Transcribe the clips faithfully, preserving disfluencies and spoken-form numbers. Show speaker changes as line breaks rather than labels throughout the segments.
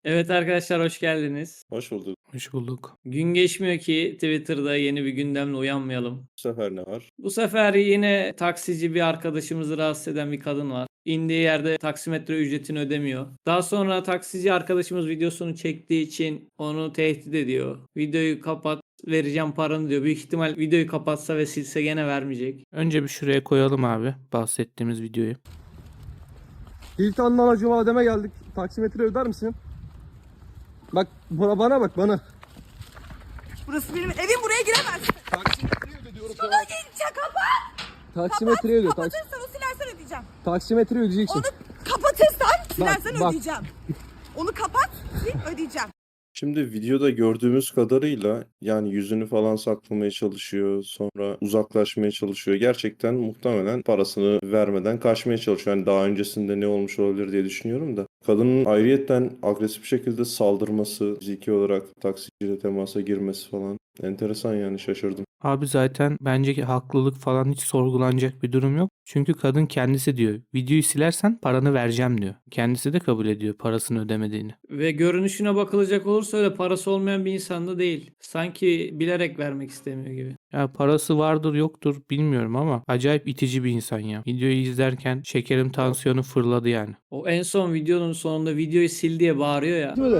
Evet arkadaşlar hoş geldiniz.
Hoş bulduk.
Hoş bulduk.
Gün geçmiyor ki Twitter'da yeni bir gündemle uyanmayalım.
Bu sefer ne var?
Bu sefer yine taksici bir arkadaşımızı rahatsız eden bir kadın var. İndiği yerde taksimetre ücretini ödemiyor. Daha sonra taksici arkadaşımız videosunu çektiği için onu tehdit ediyor. Videoyu kapat, vereceğim paranı diyor. Büyük ihtimal videoyu kapatsa ve silse gene vermeyecek.
Önce bir şuraya koyalım abi bahsettiğimiz videoyu.
Hilton'dan Acıma Adem'e geldik. Taksimetre öder misin? Bak bana, bana bak bana.
Burası benim evim, buraya giremezsin.
Taksimetre öde diyorum
Şuna gelince kapat.
Taksimetre öde. Taks
Kapatırsan o silersen ödeyeceğim.
taksimetre ödeyeceksin.
Onu kapatırsan silersen
bak.
ödeyeceğim. Onu kapat, sil ödeyeceğim.
Şimdi videoda gördüğümüz kadarıyla yani yüzünü falan saklamaya çalışıyor, sonra uzaklaşmaya çalışıyor. Gerçekten muhtemelen parasını vermeden kaçmaya çalışıyor. Yani daha öncesinde ne olmuş olabilir diye düşünüyorum da. Kadının ayrıyetten agresif şekilde saldırması, fiziki olarak taksiciyle temasa girmesi falan. Enteresan yani şaşırdım.
Abi zaten bence ki haklılık falan hiç sorgulanacak bir durum yok. Çünkü kadın kendisi diyor videoyu silersen paranı vereceğim diyor. Kendisi de kabul ediyor parasını ödemediğini.
Ve görünüşüne bakılacak olursa öyle parası olmayan bir insan da değil. Sanki bilerek vermek istemiyor gibi.
Ya parası vardır yoktur bilmiyorum ama acayip itici bir insan ya. Videoyu izlerken şekerim tansiyonu fırladı yani.
O en son videonun sonunda videoyu sil diye bağırıyor ya.
Videoyu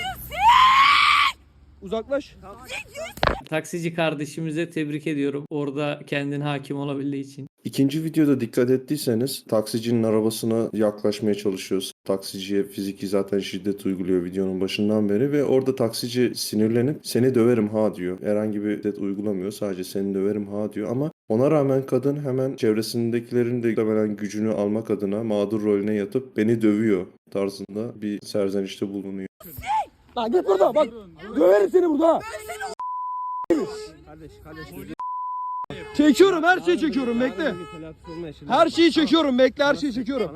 Uzaklaş.
Taksici kardeşimize tebrik ediyorum. Orada kendine hakim olabildiği için.
İkinci videoda dikkat ettiyseniz taksicinin arabasına yaklaşmaya çalışıyor. Taksiciye fiziki zaten şiddet uyguluyor videonun başından beri ve orada taksici sinirlenip seni döverim ha diyor. Herhangi bir şiddet uygulamıyor, sadece seni döverim ha diyor ama ona rağmen kadın hemen çevresindekilerin de muhtemelen gücünü almak adına mağdur rolüne yatıp beni dövüyor tarzında bir serzenişte bulunuyor.
Lan git burada bak. Döverim seni burada. Çekiyorum, her şeyi çekiyorum, bekle. Her şeyi çekiyorum, bekle, her şeyi çekiyorum.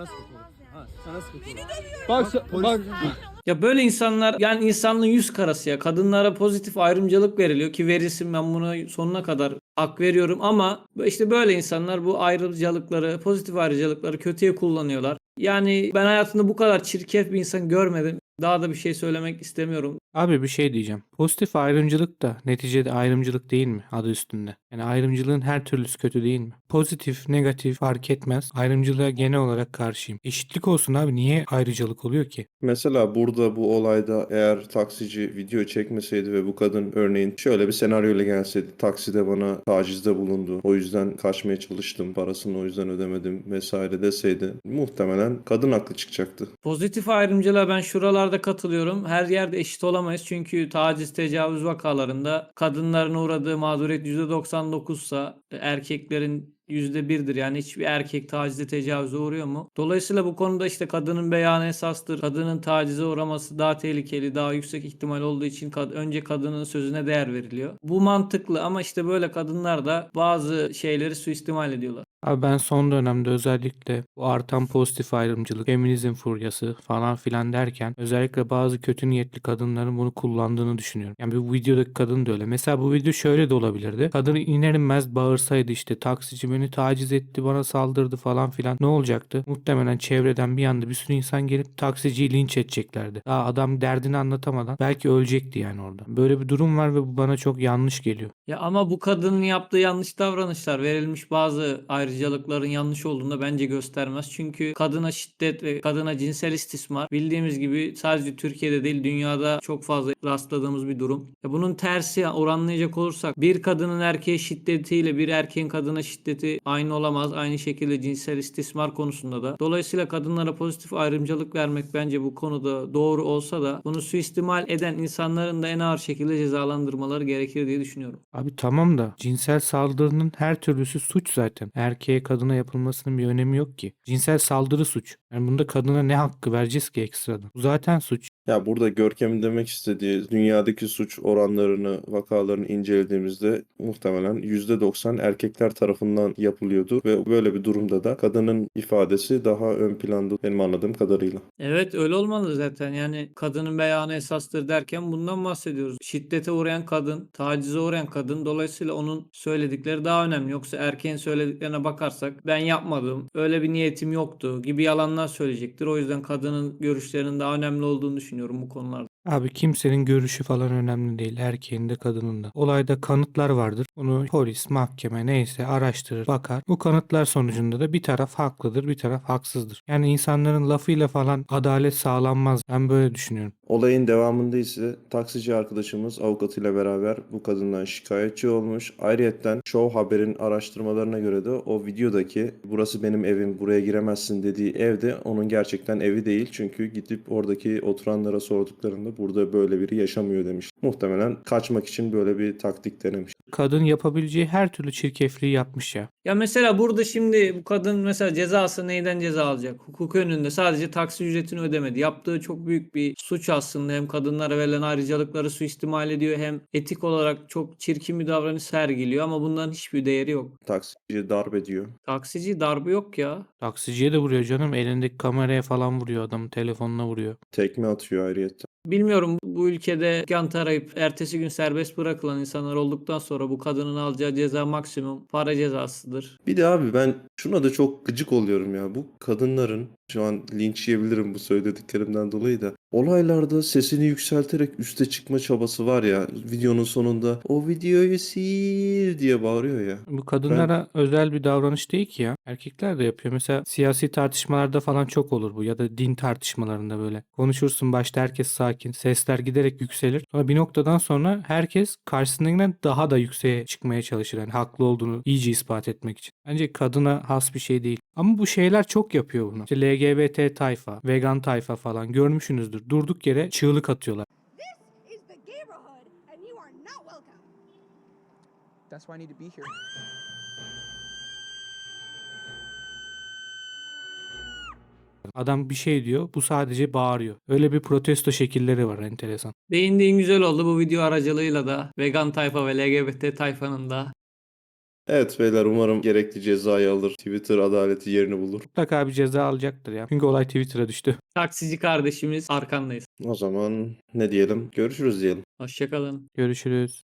Bak sen- bak.
Ya böyle insanlar yani insanlığın yüz karası ya. Kadınlara pozitif ayrımcılık veriliyor ki verilsin, ben buna sonuna kadar hak veriyorum ama işte böyle insanlar bu ayrıcalıkları, pozitif ayrıcalıkları kötüye kullanıyorlar. Yani ben hayatımda bu kadar çirkef bir insan görmedim. Daha da bir şey söylemek istemiyorum.
Abi bir şey diyeceğim. Pozitif ayrımcılık da neticede ayrımcılık değil mi adı üstünde? Yani ayrımcılığın her türlüsü kötü değil mi? Pozitif, negatif fark etmez. Ayrımcılığa genel olarak karşıyım. Eşitlik olsun abi, niye ayrıcalık oluyor ki?
Mesela burada bu olayda eğer taksici video çekmeseydi ve bu kadın örneğin şöyle bir senaryoyla gelseydi, takside bana tacizde bulundu, o yüzden kaçmaya çalıştım, parasını o yüzden ödemedim vesaire deseydi muhtemelen kadın haklı çıkacaktı.
Pozitif ayrımcılığa ben şuralarda katılıyorum. Her yerde eşit olamayız. Çünkü taciz, tecavüz vakalarında kadınların uğradığı mağduriyet yüzde doksan dokuzsa erkeklerin yüzde birdir. Yani hiçbir erkek tacize, tecavüze uğruyor mu? Dolayısıyla bu konuda işte kadının beyanı esastır. Kadının tacize uğraması daha tehlikeli, daha yüksek ihtimal olduğu için kad- önce kadının sözüne değer veriliyor. Bu mantıklı ama işte böyle kadınlar da bazı şeyleri suistimal ediyorlar.
Abi ben son dönemde özellikle bu artan pozitif ayrımcılık, feminizm furyası falan filan derken özellikle bazı kötü niyetli kadınların bunu kullandığını düşünüyorum. Yani bu videodaki kadın da öyle. Mesela bu video şöyle de olabilirdi. Kadın iner inmez bağırsaydı işte taksici beni taciz etti, bana saldırdı falan filan. Ne olacaktı? Muhtemelen çevreden bir anda bir sürü insan gelip taksiciyi linç edeceklerdi. Daha adam derdini anlatamadan belki ölecekti yani orada. Böyle bir durum var ve bu bana çok yanlış geliyor.
Ya ama bu kadının yaptığı yanlış davranışlar verilmiş bazı ayrıcalıkların yanlış olduğunu da bence göstermez. Çünkü kadına şiddet ve kadına cinsel istismar bildiğimiz gibi sadece Türkiye'de değil dünyada çok fazla rastladığımız bir durum. Ya bunun tersi oranlayacak olursak bir kadının erkeğe şiddetiyle bir erkeğin kadına şiddeti aynı olamaz. Aynı şekilde cinsel istismar konusunda da. Dolayısıyla kadınlara pozitif ayrımcılık vermek bence bu konuda doğru olsa da bunu suistimal eden insanların da en ağır şekilde cezalandırmaları gerekir diye düşünüyorum.
Abi tamam da cinsel saldırının her türlüsü suç zaten. Erkeğe kadına yapılmasının bir önemi yok ki. Cinsel saldırı suç. Yani bunda kadına ne hakkı vereceğiz ki ekstradan? Bu zaten suç.
Ya burada Görkem'in demek istediği dünyadaki suç oranlarını, vakalarını incelediğimizde muhtemelen yüzde doksan erkekler tarafından yapılıyordu ve böyle bir durumda da kadının ifadesi daha ön planda benim anladığım kadarıyla.
Evet öyle olmalı zaten. Yani kadının beyanı esastır derken bundan bahsediyoruz. Şiddete uğrayan kadın, tacize uğrayan kadın. Dolayısıyla onun söyledikleri daha önemli. Yoksa erkeğin söylediklerine bakarsak ben yapmadım, öyle bir niyetim yoktu gibi yalanlar söyleyecektir. O yüzden kadının görüşlerinin daha önemli olduğunu düşünüyorum. düşünüyorum bu konularda.
Abi kimsenin görüşü falan önemli değil. Erkeğin de kadının da. Olayda kanıtlar vardır. Bunu polis, mahkeme neyse araştırır, bakar. Bu kanıtlar sonucunda da bir taraf haklıdır, bir taraf haksızdır. Yani insanların lafıyla falan adalet sağlanmaz. Ben böyle düşünüyorum.
Olayın devamında ise taksici arkadaşımız avukatıyla beraber bu kadından şikayetçi olmuş. Ayrıyetten Show Haber'in araştırmalarına göre de o videodaki burası benim evim, buraya giremezsin dediği evde onun gerçekten evi değil. Çünkü gidip oradaki oturanlara sorduklarında burada böyle biri yaşamıyor demiş. Muhtemelen kaçmak için böyle bir taktik denemiş.
Kadın yapabileceği her türlü çirkefliği yapmış ya.
Ya mesela burada şimdi bu kadın mesela cezası neyden ceza alacak? Hukuk önünde sadece taksi ücretini ödemedi. Yaptığı çok büyük bir suç aslında. Hem kadınlara verilen ayrıcalıkları suistimal ediyor hem etik olarak çok çirkin bir davranış sergiliyor ama bunların hiçbir değeri yok.
Taksici darp ediyor.
Taksici darbe yok ya.
Taksiciye de vuruyor canım. Elindeki kameraya falan vuruyor adamın. Telefonuna vuruyor.
Tekme atıyor ayrıyetten.
Bilmiyorum bu ülkede kant arayıp ertesi gün serbest bırakılan insanlar olduktan sonra bu kadının alacağı ceza maksimum para cezasıdır.
Bir de abi ben şuna da çok gıcık oluyorum ya. Bu kadınların şu an linç yiyebilirim bu söylediklerimden dolayı da olaylarda sesini yükselterek üste çıkma çabası var ya. Videonun sonunda o videoyu sil diye bağırıyor ya.
Bu kadınlara özel bir davranış değil ki ya. Erkekler de yapıyor. Mesela siyasi tartışmalarda falan çok olur bu ya da din tartışmalarında böyle. Konuşursun başta herkes sakin. Sesler giderek yükselir. Sonra bir noktadan sonra herkes karşısındakinden daha da yükseğe çıkmaya çalışır. Yani haklı olduğunu iyice ispat etmek için. Bence kadına has bir şey değil. Ama bu şeyler çok yapıyor bunu. İşte L G B T tayfa, vegan tayfa falan görmüşsünüzdür. Durduk yere çığlık atıyorlar.
This is the neighborhood and you are not welcome.
That's why I need to be here.
Adam bir şey diyor, bu sadece bağırıyor. Öyle bir protesto şekilleri var, enteresan.
Değindiğin güzel oldu bu video aracılığıyla da vegan tayfa ve L G B T tayfanın da.
Evet beyler umarım gerekli cezayı alır. Twitter adaleti yerini bulur.
Mutlaka bir ceza alacaktır ya. Çünkü olay Twitter'a düştü.
Taksici kardeşimiz arkandayız.
O zaman ne diyelim? Görüşürüz diyelim.
Hoşçakalın.
Görüşürüz.